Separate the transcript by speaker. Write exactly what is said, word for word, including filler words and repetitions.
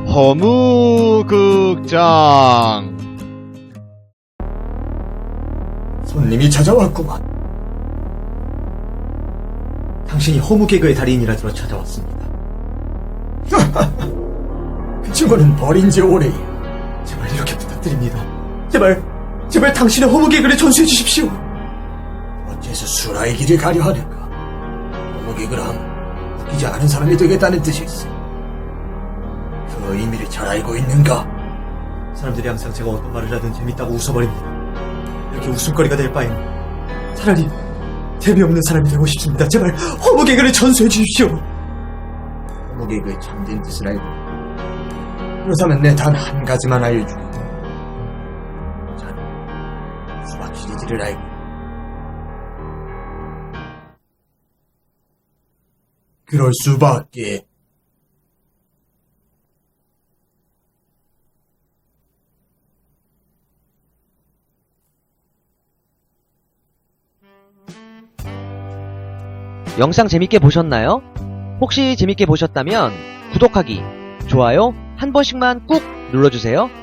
Speaker 1: 허무극장.
Speaker 2: 손님이 찾아왔구만. 당신이 허무개그의 달인이라 들어 찾아왔습니다. 그 친구는 버린 지 오래예요. 제발 이렇게 부탁드립니다. 제발, 제발 당신의 허무개그를 전수해 주십시오. 어째서 수라의 길을 가려 하는가? 허무개그를 하면 웃기지 않은 사람이 되겠다는 뜻이 있어. 그 의미를 잘 알고 있는가? 사람들이 항상 제가 어떤 말을 하든 재밌다고 웃어버립니다. 이렇게 웃음거리가 될 바에는 차라리 재미없는 사람이 되고 싶습니다. 제발 허무개그를 전수해 주십시오. 허무개그의 참된 뜻을 알고, 그렇다면 내 단 한 가지만 알려주겠다. 자네 수박 시리즈를 알고, 그럴 수밖에.
Speaker 3: 영상 재밌게 보셨나요? 혹시 재밌게 보셨다면 구독하기, 좋아요 한 번씩만 꾹 눌러주세요.